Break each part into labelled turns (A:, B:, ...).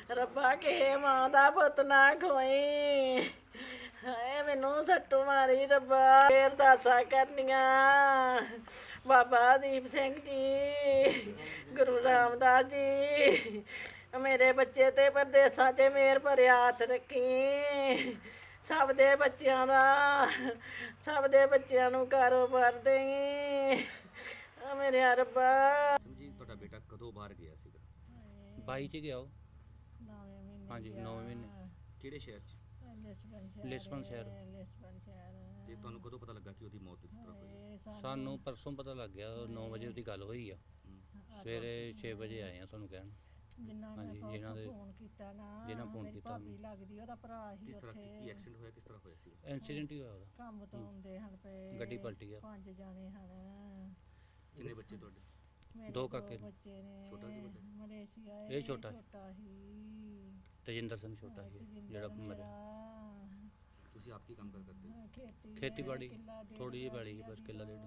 A: ਰੱਬਾ ਕਿਸੇ ਮਾਂ ਦਾ ਪੁੱਤ ਨਾ ਖੋਈ। ਹਾਏ ਮੈਨੂੰ ਸੱਟੂ ਮਾਰੀ ਰੱਬਾ। ਫੇਰ ਅਰਦਾਸਾਂ ਕਰਨੀਆਂ ਬਾਬਾ ਦੀਪ ਸਿੰਘ ਜੀ, ਗੁਰੂ ਰਾਮਦਾਸ ਜੀ, ਮੇਰੇ ਬੱਚੇ ਤੇ ਪਰਦੇਸਾਂ 'ਚ ਮੇਰ ਭਰਿਆ ਹੱਥ ਰੱਖੀ। ਸਭ ਦੇ ਬੱਚਿਆਂ ਦਾ, ਸਭ ਦੇ ਬੱਚਿਆਂ ਨੂੰ ਕਾਰੋਬਾਰ ਦੇਈ ਮੇਰੇ ਰੱਬਾ।
B: ਜੀ ਤੁਹਾਡਾ ਬੇਟਾ ਕਦੋਂ ਬਾਹਰ ਗਿਆ ਸੀਗਾ?
C: 22 ਚ ਗਿਆ ਉਹ।
A: 9 ਮਹੀਨੇ
C: ਹਾਂਜੀ 9 ਮਹੀਨੇ।
B: ਕਿਹੜੇ ਸ਼ਹਿਰ 'ਚ?
C: ਲਿਸਬਨ ਸ਼ਹਿਰ।
B: ਤੇ ਤੁਹਾਨੂੰ ਕਦੋਂ ਪਤਾ ਲੱਗਾ ਕਿ ਉਹਦੀ ਮੌਤ ਇਸ ਤਰ੍ਹਾਂ ਹੋਈ?
C: ਸਾਨੂੰ ਪਰਸੋਂ ਪਤਾ ਲੱਗ ਗਿਆ, 9 ਵਜੇ ਉਹਦੀ ਗੱਲ ਹੋਈ ਆ। ਸਵੇਰੇ 6 ਵਜੇ ਆਏ ਆ ਤੁਹਾਨੂੰ ਕਹਿਣ। ਹਾਂਜੀ ਜਿਨ੍ਹਾਂ ਦੇ ਜਿਨ੍ਹਾਂ ਫੋਨ ਕੀਤਾ
A: ਲੱਗਦੀ ਉਹਦਾ ਭਰਾ ਹੀ
B: ਕਿਸ ਤਰ੍ਹਾਂ
A: ਉੱਥੇ
B: ਕੀ ਐਕਸੀਡੈਂਟ ਹੋਇਆ, ਕਿਸ ਤਰ੍ਹਾਂ ਹੋਇਆ ਸੀ?
C: ਐਕਸੀਡੈਂਟ ਹੀ ਹੋਇਆ ਉਹਦਾ।
A: ਕੰਮ ਤੋਂ ਆਉਂਦੇ ਹਨ ਪਏ,
C: ਗੱਡੀ ਪਲਟੀ ਆ।
A: 5 ਜਾਣੇ ਹਨ।
B: ਕਿੰਨੇ ਬੱਚੇ ਤੁਹਾਡੇ?
A: ਮੇਰੇ
C: 2 ਕਾਕੇ ਨੇ।
A: ਬੱਚੇ ਨੇ।
B: ਛੋਟਾ ਸੀ ਵੱਡਾ?
A: ਮਲੇਸ਼ੀਆ
C: ਇਹ ਛੋਟਾ
A: ਹੀ।
C: ਤਜਿੰਦਰ ਸਿੰਘ ਛੋਟਾ ਸੀ ਜਿਹੜਾ ਮਰਿਆ।
B: ਤੁਸੀਂ ਆਪ ਕੀ ਕੰਮ ਕਰਦੇ ਹੋ?
C: ਖੇਤੀਬਾੜੀ ਥੋੜੀ ਜਿਹੀ ਬਾੜੀ ਬਸ ਕਿੱਲਾ ਡੇਢ।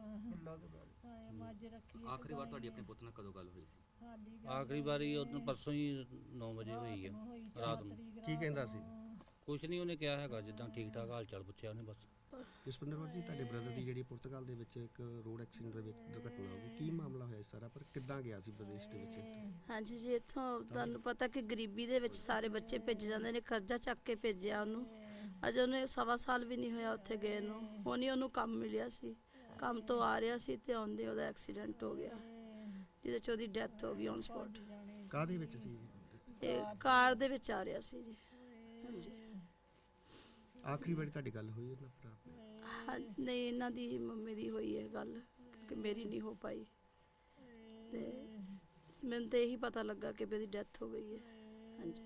B: ਆਖਰੀ ਵਾਰ ਤੁਹਾਡੀ ਆਪਣੇ ਪੁੱਤ ਨਾਲ ਕਦੋਂ ਗੱਲ ਹੋਈ ਸੀ?
C: ਆਖਰੀ ਵਾਰੀ ਉਹਨੂੰ ਪਰਸੋਂ ਹੀ 9 ਵਜੇ ਹੋਈ ਆ ਰਾਤ ਨੂੰ।
D: ਕੀ ਕਹਿੰਦਾ ਸੀ?
C: ਕੁਛ ਨਹੀਂ ਉਹਨੇ ਕਿਹਾ ਹੈਗਾ, ਜਿੱਦਾਂ ਠੀਕ ਠਾਕ ਹਾਲ ਚਾਲ ਪੁੱਛਿਆ ਉਹਨੇ ਬਸ।
D: ਜਸਵਿੰਦਰ ਕੌਰ ਜੀ, ਤੁਹਾਡੇ ਬ੍ਰਦਰ ਦੀ ਜਿਹੜੀ ਪੁਰਤਗਾਲ ਦੇ ਵਿੱਚ ਇੱਕ ਰੋਡ ਐਕਸੀਡੈਂਟ ਦੇ ਵਿੱਚ ਦੁਰਘਟਨਾ ਹੋ ਗਈ, ਕੀ ਮਾਮਲਾ ਹੋਇਆ ਸਾਰਾ, ਪਰ ਕਿੱਦਾਂ ਗਿਆ ਸੀ ਵਿਦੇਸ਼ ਦੇ ਵਿੱਚ?
E: ਹਾਂਜੀ ਜੀ, ਇੱਥੋਂ ਤੁਹਾਨੂੰ ਪਤਾ ਕਿ ਗਰੀਬੀ ਦੇ ਵਿੱਚ ਸਾਰੇ ਬੱਚੇ ਭੇਜੇ ਜਾਂਦੇ ਨੇ, ਕਰਜ਼ਾ ਚੱਕ ਕੇ ਭੇਜਿਆ ਉਹਨੂੰ। ਅਜੇ ਉਹਨੇ 1.25 ਸਾਲ ਵੀ ਨਹੀਂ ਹੋਇਆ ਉੱਥੇ ਗਏ ਨੂੰ। ਹੁਣ ਹੀ ਉਹਨੂੰ ਕੰਮ ਮਿਲਿਆ ਸੀ, ਕੰਮ ਤੋਂ ਆ ਰਿਹਾ ਸੀ ਤੇ ਆਉਂਦੇ ਉਹਦਾ ਐਕਸੀਡੈਂਟ ਹੋ ਗਿਆ, ਜਿਹਦੇ 'ਚ ਉਹਦੀ ਡੈਥ ਹੋ ਗਈ ਔਨ ਸਪੌਟ।
D: ਕਾਹਦੇ ਵਿੱਚ ਸੀ?
E: ਇਹ ਕਾਰ ਦੇ ਵਿੱਚ ਆ ਰਿਹਾ ਸੀ ਜੀ। ਹਾਂਜੀ।
D: ਆਖਰੀ ਵਾਰੀ ਤੁਹਾਡੀ ਗੱਲ ਹੋਈ ਉਹਨਾਂ ਭਰਾ ਨਾਲ?
E: ਹਾਂ ਨਹੀਂ, ਇਹਨਾਂ ਦੀ ਮੰਮੀ ਦੀ ਹੋਈ ਹੈ ਗੱਲ, ਕਿ ਮੇਰੀ ਨਹੀਂ ਹੋ ਪਾਈ। ਤੇ ਮੈਨੂੰ ਤਾਂ ਇਹੀ ਪਤਾ ਲੱਗਾ ਕਿ ਉਹਦੀ ਡੈਥ ਹੋ ਗਈ ਹੈ। ਹਾਂਜੀ।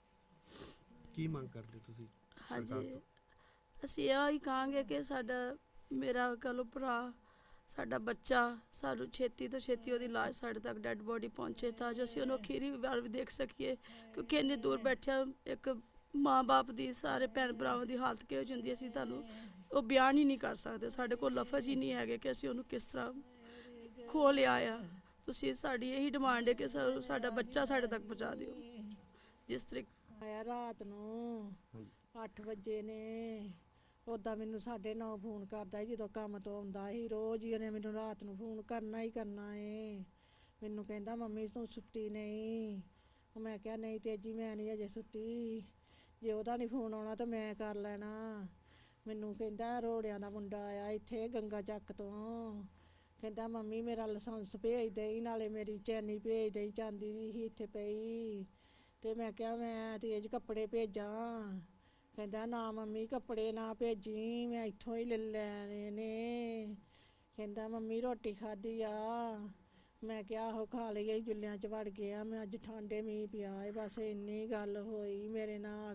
D: ਕੀ ਮੰਗ ਕਰਦੇ ਤੁਸੀਂ ਸਰਕਾਰ
E: ਹਾਂਜੀ,
D: ਤੋਂ?
E: ਅਸੀਂ ਇਹ ਹੀ ਕਹਾਂਗੇ ਕਿ ਸਾਡਾ, ਮੇਰਾ ਕਹੋ ਭਰਾ, ਸਾਡਾ ਬੱਚਾ, ਸਾਨੂੰ ਛੇਤੀ ਤੋਂ ਛੇਤੀ ਉਹਦੀ ਲਾਸ਼ ਸਾਡੇ ਤੱਕ ਡੈੱਡ ਬੋਡੀ ਪਹੁੰਚੇ, ਤਾਂ ਜੋ ਅਸੀਂ ਉਹਨੂੰ ਅਖੀਰੀ ਵਾਰ ਵੀ ਦੇਖ ਸਕੀਏ। ਕਿਉਂਕਿ ਇੰਨੀ ਦੂਰ ਬੈਠਿਆ ਇੱਕ ਮਾਂ-ਬਾਪ ਦੀ, ਸਾਰੇ ਭੈਣ ਭਰਾਵਾਂ ਦੀ ਹਾਲਤ ਕਿਹੋ ਜਿਹੀ ਹੁੰਦੀ, ਅਸੀਂ ਤੁਹਾਨੂੰ ਉਹ ਬਿਆਨ ਹੀ ਨਹੀਂ ਕਰ ਸਕਦੇ। ਸਾਡੇ ਕੋਲ ਲਫ਼ਜ਼ ਹੀ ਨਹੀਂ ਹੈਗੇ ਕਿ ਅਸੀਂ ਉਹਨੂੰ ਕਿਸ ਤਰ੍ਹਾਂ ਖੋ ਲਿਆ ਆ। ਤੁਸੀਂ, ਸਾਡੀ ਇਹੀ ਡਿਮਾਂਡ ਹੈ ਕਿ ਸਾਡਾ ਬੱਚਾ ਸਾਡੇ ਤੱਕ ਪਹੁੰਚਾ ਦਿਓ। ਜਿਸ ਤਰੀਕੇ
A: ਆਇਆ ਰਾਤ ਨੂੰ 8 ਵਜੇ ਨੇ, ਉੱਦਾਂ ਮੈਨੂੰ 9:30 ਫੋਨ ਕਰਦਾ ਜਦੋਂ ਕੰਮ ਤੋਂ ਆਉਂਦਾ ਸੀ। ਰੋਜ਼ ਹੀ ਉਹਨੇ ਮੈਨੂੰ ਰਾਤ ਨੂੰ ਫੋਨ ਕਰਨਾ ਹੀ ਕਰਨਾ ਏ। ਮੈਨੂੰ ਕਹਿੰਦਾ ਮੰਮੀ ਤੂੰ ਸੁੱਤੀ ਨਹੀਂ? ਮੈਂ ਕਿਹਾ ਨਹੀਂ ਤੇਜੀ, ਮੈਂ ਨਹੀਂ ਅਜੇ ਸੁੱਤੀ। ਜੇ ਉਹਦਾ ਨਹੀਂ ਫੋਨ ਆਉਣਾ ਤਾਂ ਮੈਂ ਕਰ ਲੈਣਾ। ਮੈਨੂੰ ਕਹਿੰਦਾ ਰੋੜਿਆਂ ਦਾ ਮੁੰਡਾ ਆਇਆ ਇੱਥੇ ਗੰਗਾ ਚੱਕ ਤੋਂ, ਕਹਿੰਦਾ ਮੰਮੀ ਮੇਰਾ ਲਾਇਸੈਂਸ ਭੇਜ ਦੇਈ, ਨਾਲੇ ਮੇਰੀ ਚੈਨੀ ਭੇਜ ਦੇਈ, ਚਾਂਦੀ ਦੀ ਸੀ ਇੱਥੇ ਪਈ। ਤੇ ਮੈਂ ਕਿਹਾ ਮੈਂ ਤੇਜ ਕੱਪੜੇ ਭੇਜਾਂ? ਕਹਿੰਦਾ ਨਾ ਮੰਮੀ ਕੱਪੜੇ ਨਾ ਭੇਜੀ, ਮੈਂ ਇੱਥੋਂ ਹੀ ਲੈ ਲੈਣੇ ਨੇ। ਕਹਿੰਦਾ ਮੰਮੀ ਰੋਟੀ ਖਾਧੀ ਆ? ਮੈਂ ਕਿਹਾ ਆਹੋ ਖਾ ਲਈ, ਜੁੱਲਿਆਂ 'ਚ ਵੜ ਗਿਆ ਮੈਂ, ਅੱਜ ਠੰਡੇ ਮੀਂਹ ਪਿਆ ਏ। ਬਸ ਇੰਨੀ ਗੱਲ ਹੋਈ ਮੇਰੇ ਨਾਲ,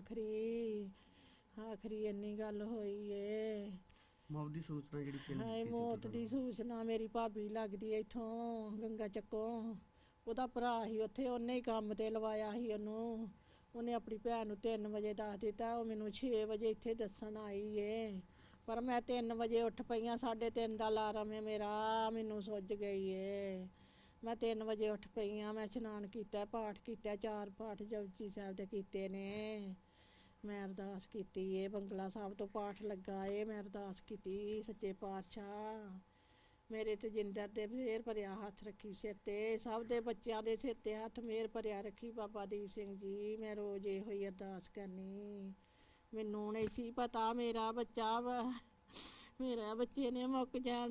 A: ਆਖਰੀ ਇੰਨੀ ਗੱਲ ਹੋਈ ਏ।
D: ਮੌਤ ਦੀ ਸੂਚਨਾ ਜਿਹੜੀ ਕਿਹਨੇ
A: ਹਾਏ
D: ਦਿੱਤੀ ਸੀ
A: ਮੌਤ ਦੀ
D: ਤੁਹਾਨੂੰ?
A: ਸੂਚਨਾ ਮੇਰੀ ਭਾਬੀ ਲੱਗਦੀ ਇੱਥੋਂ ਗੰਗਾ ਚੱਕੋਂ, ਉਹਦਾ ਭਰਾ ਸੀ ਉੱਥੇ, ਉਹਨੇ ਹੀ ਕੰਮ ਤੇ ਲਵਾਇਆ ਸੀ ਉਹਨੂੰ। ਉਹਨੇ ਆਪਣੀ ਭੈਣ ਨੂੰ 3 ਵਜੇ ਦੱਸ ਦਿੱਤਾ, ਉਹ ਮੈਨੂੰ 6 ਵਜੇ ਇੱਥੇ ਦੱਸਣ ਆਈ ਏ। ਪਰ ਮੈਂ 3 ਵਜੇ ਉੱਠ ਪਈਆਂ, 3:30 ਦਾ ਅਲਾਰਮ ਹੈ ਮੇਰਾ, ਮੈਨੂੰ ਸੁੱਜ ਗਈ ਏ। ਮੈਂ 3 ਵਜੇ ਉੱਠ ਪਈਆਂ, ਮੈਂ ਇਸ਼ਨਾਨ ਕੀਤਾ, ਪਾਠ ਕੀਤਾ, 4 ਪਾਠ ਜਪਜੀ ਸਾਹਿਬ ਦੇ ਕੀਤੇ ਨੇ। ਮੈਂ ਅਰਦਾਸ ਕੀਤੀ ਏ, ਬੰਗਲਾ ਸਾਹਿਬ ਤੋਂ ਪਾਠ ਲੱਗਾ ਏ, ਮੈਂ ਅਰਦਾਸ ਕੀਤੀ ਸੱਚੇ ਪਾਤਸ਼ਾਹ ਮੇਰੇ ਤਜਿੰਦਰ ਦੇ ਮਿਹਰ ਭਰਿਆ ਹੱਥ ਰੱਖੀ ਸਿਰ ਤੇ, ਸਭ ਦੇ ਬੱਚਿਆਂ ਦੇ ਸਿਰ ਤੇ ਹੱਥ ਮਿਹਰ ਭਰਿਆ ਰੱਖੀ ਬਾਬਾ ਦੀਪ ਸਿੰਘ ਜੀ। ਮੈਂ ਰੋਜ਼ ਇਹੋ ਹੀ ਅਰਦਾਸ ਕਰਨੀ। ਮੈਨੂੰ ਨਹੀਂ ਸੀ ਪਤਾ ਮੇਰਾ ਬੱਚਾ ਵਾ, ਮੇਰਾ ਬੱਚੇ ਨੇ ਮੁੱਕ ਜਾਣਾ।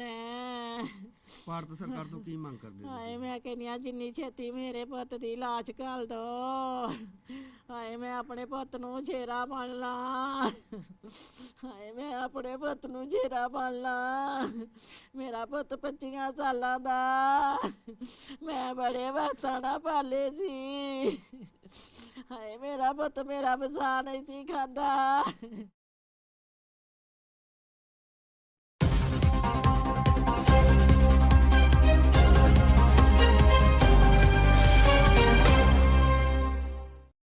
D: ਭਾਰਤ ਸਰਕਾਰ ਤੋਂ ਕੀ ਮੰਗ ਕਰਦੇ
A: ਹਾਏ
D: ਤੁਸੀਂ?
A: ਮੈਂ ਕਹਿੰਦੀ ਹਾਂ ਜਿੰਨੀ ਛੇਤੀ ਮੇਰੇ ਪੁੱਤ ਦੀ ਲਾਸ਼ ਘੱਲ ਦੋ। ਹਾਏ ਮੈਂ ਆਪਣੇ ਪੁੱਤ ਨੂੰ ਛੇਰਾ ਬਣ ਲਾਂ। ਹਾਏ ਮੈਂ ਆਪਣੇ ਪੁੱਤ ਨੂੰ ਛੇਰਾ ਬਣ ਲਾਂ। ਮੇਰਾ ਪੁੱਤ 25 ਸਾਲਾਂ ਦਾ, ਮੈਂ ਬੜੇ ਵਕਤਾਂ ਨਾਲ ਪਾਲੇ ਸੀ। ਹਾਏ ਮੇਰਾ ਪੁੱਤ ਮੇਰਾ ਵਸਾ ਨਹੀਂ ਸੀ ਖਾਂਦਾ।